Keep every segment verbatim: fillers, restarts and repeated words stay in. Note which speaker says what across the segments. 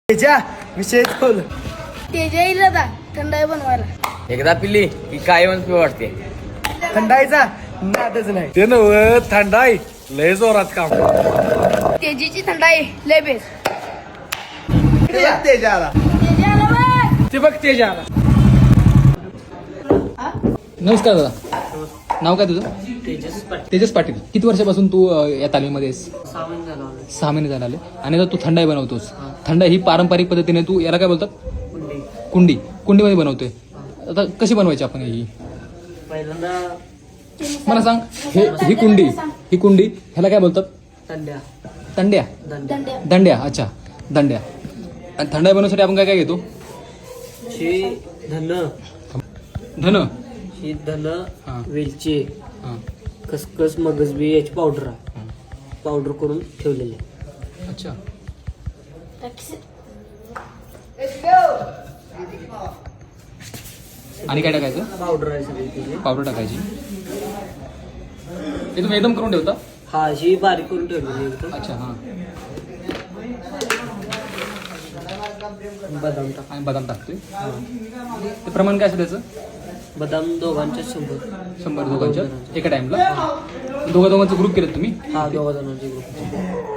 Speaker 1: तेजा विषय खोल.
Speaker 2: तेजा येईल आता थंडाई बनवायला.
Speaker 3: एकदा पिली की काय म्हणून वाटते.
Speaker 1: थंडाईचा नादच नाही ते नव थंडाई लय जोरात काम.
Speaker 2: तेजीची थंडाई लय बेस.
Speaker 1: तेजा
Speaker 2: तेजा आला बघ.
Speaker 1: ते बघ तेजा आला.
Speaker 4: नमस्कार दादा, नाव काय तुझं?
Speaker 3: तेजस पाटील.
Speaker 4: तेजस पाटील. किती वर्षापासून तू अ, या तालीमीमध्ये आहेस?
Speaker 3: सहा महिने झाला आलोय.
Speaker 4: सहा महिने झाले आले. आणि आता तू थंडाई बनवतोस. थंडाई ही पारंपरिक पद्धतीने तू याला काय बोलतात?
Speaker 3: कुंडी.
Speaker 4: कुंडी कुंडीमध्ये बनवतोय. आता कशी बनवायची आपण ही?
Speaker 3: पहिल्यांदा
Speaker 4: मला सांग, हे ही कुंडी ही कुंडी ह्याला काय बोलतात?
Speaker 3: तंड्या.
Speaker 4: तंड्या.
Speaker 3: दंड्या.
Speaker 2: दंड्या.
Speaker 4: दंड्या. अच्छा, दंड्या. आणि थंडाई बनवण्यासाठी आपण काय काय घेतो?
Speaker 3: शी धन.
Speaker 4: धन.
Speaker 3: ही धन,
Speaker 4: हा.
Speaker 3: वेलची,
Speaker 4: हां.
Speaker 3: खसखस, मगजबी याची पावडर आहे. पावडर करून ठेवलेली आहे.
Speaker 4: अच्छा. आणि काय टाकायचं?
Speaker 3: पावडर आहे सगळी त्याची.
Speaker 4: पावडर टाकायची. हे तुम्ही एकदम करून ठेवता?
Speaker 3: हा, ही बारीक करून ठेवलेली एकदम.
Speaker 4: अच्छा. हां.
Speaker 3: बदाम टाक.
Speaker 4: आणि बदाम टाकतोय. ते प्रमाण काय असतं त्याचं?
Speaker 3: बदाम दोघांच्या शंभर.
Speaker 4: शंभर दोघांच्या एका टाइमला. दोघा दोघांचं ग्रुप केलं तुम्ही?
Speaker 3: हा, दोघा जणांचे ग्रुप.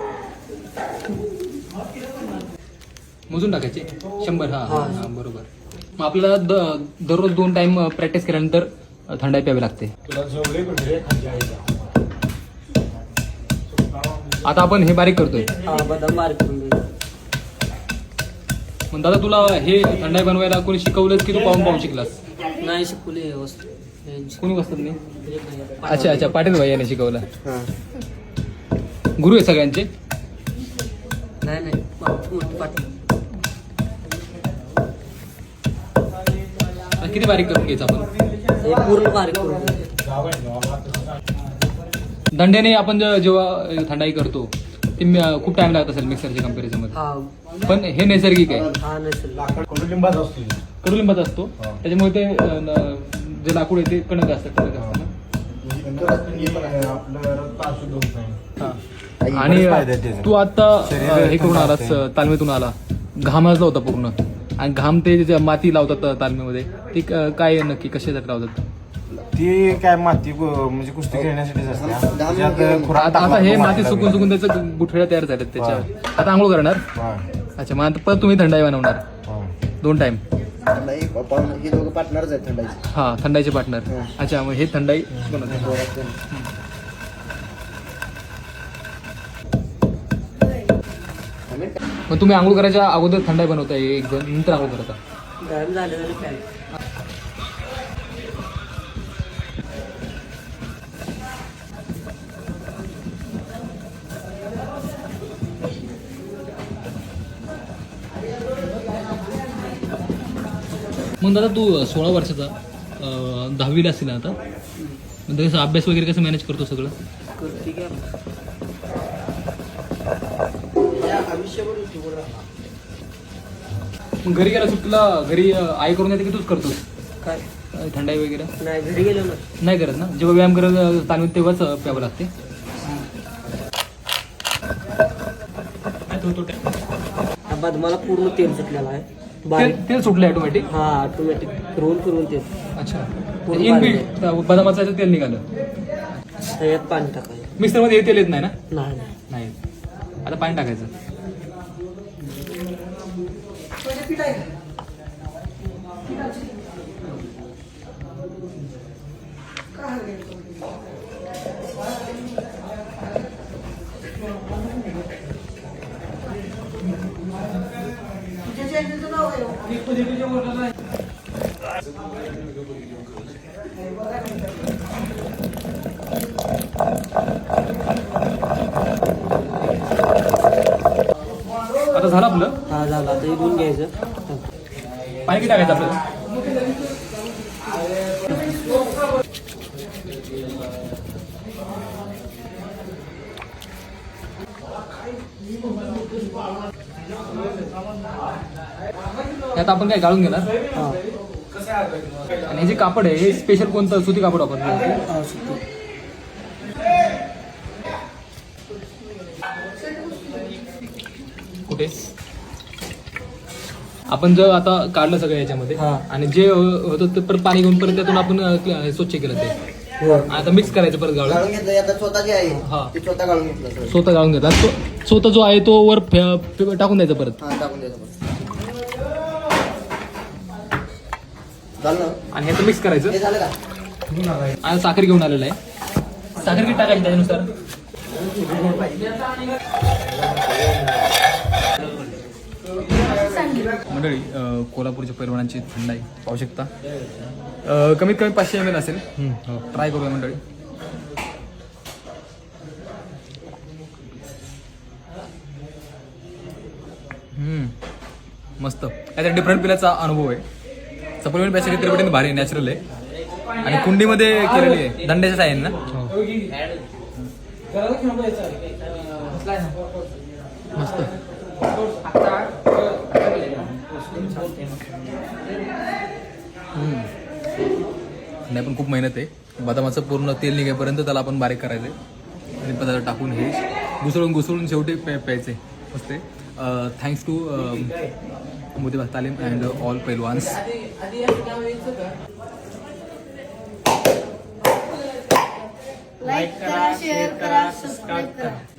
Speaker 4: मोजून टाकायचे शंभर. हा
Speaker 3: हा.
Speaker 4: हा बरोबर. मग आपल्याला द दररोज दोन टाइम प्रॅक्टिस केल्यानंतर थंडाई प्यावी लागते. आता आपण हे बारीक करतोय.
Speaker 3: हा, बदाम बारीक करून घ्यायचे.
Speaker 4: मग दादा तुला हे थंडाई बनवायला कोणी शिकवलंच की तू पाहून पाहून शिकलास?
Speaker 3: नाही शिकवली हे वस्तू. यांची.
Speaker 4: कोणी बसतात नाही? अच्छा अच्छा, पाटील भाई याने शिकवलं.
Speaker 3: हा.
Speaker 4: गुरु आहे सगळ्यांचे.
Speaker 3: नाही नाही मोठी पाटील.
Speaker 4: आता किती बारीक करून घ्यायचं आपण?
Speaker 3: हे पूर्ण बारीक करून घ्यायचे.
Speaker 4: दंड्याने आपण जे- जेव्हा थंडाई करतो ते म- खूप टाइम लागत असेल मिक्सरच्या कम्पॅरिझन मध्ये.
Speaker 3: हा.
Speaker 4: पण हे नैसर्गिक आहे.
Speaker 3: हा, नसेल.
Speaker 1: कडुलिंबाचा असतो.
Speaker 4: कडुलिंबाचा असतो. त्याच्यामुळे ते अ, न- जे लाकूड आहे ते कडक असतं. कडक असतं ना. हा. आणि अ, तू आता अ, हे करून आलास, अ, तालमीतून आला, घाम वाजला होता पूर्ण. आणि घाम ते जे माती लावतात तालमीमध्ये ते क- काय नक्की कशासाठी लावतात?
Speaker 5: ती काय माती गो- म्हणजे कुस्ती खेळण्यासाठीच असते. त्याच्यात खुराक
Speaker 4: आता आता
Speaker 5: टाकला
Speaker 4: हे
Speaker 5: तो
Speaker 4: माती
Speaker 5: मातीला
Speaker 4: सुकून सुकून त्याचं गुठळ्या तयार झाल्यात त्याच्या. आता आंघोळ करणार.
Speaker 5: हा,
Speaker 4: अच्छा, मग आता परत तुम्ही थंडाई बनवणार
Speaker 5: हा.
Speaker 4: दोन टाइम.
Speaker 1: थंडाई हे दोघं पार्टनरच आहेत थंडाईचे.
Speaker 4: हा, थंडाईचे पार्टनर. अच्छा, मग हे थंडाई बनवतात. मग तुम्ही आंघोळ करायच्या अगोदर थंडाई बनवताय एक जण, नंतर आंघोळ करता?
Speaker 3: गरम झाले तरी काय.
Speaker 4: मग दादा तू सोळा वर्षाचा, अं, दहावीला असेल ना आता, मग तसं अभ्यास वगैरे कसं मॅनेज करतो सगळं?
Speaker 3: करते की आपण.
Speaker 4: मग घरी गेला सुट्टीला, घरी अं, आई करून येते की तूच करतोस
Speaker 3: काय
Speaker 4: अं, थंडाई वगैरे?
Speaker 3: नाही, घरी गेलो ना.
Speaker 4: नाही करत ना. जेव्हा व्यायाम करत तालमीत तेव्हाच अं, प्यावं लागते.
Speaker 3: हा बदमाला पूर्ण तेल सुटलेला आहे. बारीक.
Speaker 4: तेल तेल सुटलं ऑटोमॅटिक.
Speaker 3: हा, ऑटोमॅटिक फिरवून फिरवून तेल.
Speaker 4: अच्छा,
Speaker 3: पूर्ण
Speaker 4: इनबिल्ट बदामाचं याचं तेल निघालं.
Speaker 3: त्याच्यात पाणी टाकायचं.
Speaker 4: मिक्सरमध्ये हे तेल येत नाही ना?
Speaker 3: नाही नाही.
Speaker 4: नाही. आता पाणी टाकायचं. आता झालं आपलं.
Speaker 3: हा, झाला. आता इथून घ्यायचं.
Speaker 4: पाणी किती टाकायचं आपल्याला? त्यात आपण काय गाळून घेणार.
Speaker 3: हा.
Speaker 4: आणि हे जे कापड आहे हे स्पेशल कोणतं सुती कापड वापरलं?
Speaker 3: हा, सुट्टी.
Speaker 4: कुठे? आपण जर आता काढलं सगळं याच्यामध्ये
Speaker 3: हा.
Speaker 4: आणि जे होतं ते परत पाणी घेऊन परत त्यातून आपण अं, क्ल- स्वच्छ केलं ते आता मिक्स करायचं परत गाळून
Speaker 6: गाळून घेतलं आता स्वतः जे आहे
Speaker 4: हा.
Speaker 6: ते स्वतः गाळून घेतलं सर.
Speaker 4: स्वतः गाळून घेतात स्व- स्वतः जो आहे तो वर फे- फे- टाकून द्यायचा परत
Speaker 6: हा टाकून द्यायचं बस. झालं ना?
Speaker 4: आणि ह्याचं मिक्स करायचं
Speaker 6: हे झालं का?
Speaker 4: आणि साखर घेऊन आलेलं आहे साखर किती टाकायची त्याच्यानुसार मंडळी अं, कोल्हापूरच्या पैलवानांची थंडाई पाहू शकता अं, कमीत कमी पाचशे एम एल असेल ट्राय करूया मंडळी हम्म, मस्त याचा डिफरंट पिल्याचा अनुभव आहे सप्लिमेंट प्यायची त्रिपटीने भारी नॅचरल आहे आणि कुंडीमध्ये केलेली आहे दंड्याच्या साह्याने ना मस्त हम्म. नाही पण खूप मेहनत आहे बदामाचं पूर्ण तेल निघेपर्यंत त्याला आपण बारीक करायचं आहे आणि पदार्थ टाकून हे घुसळून घुसळून शेवटी प्या प्यायचे मस्त थँक्स टू मोतीबाग तालीम अँड ऑल पैलवान्स
Speaker 2: लाईक करा शेअर करा सबस्क्राईब करा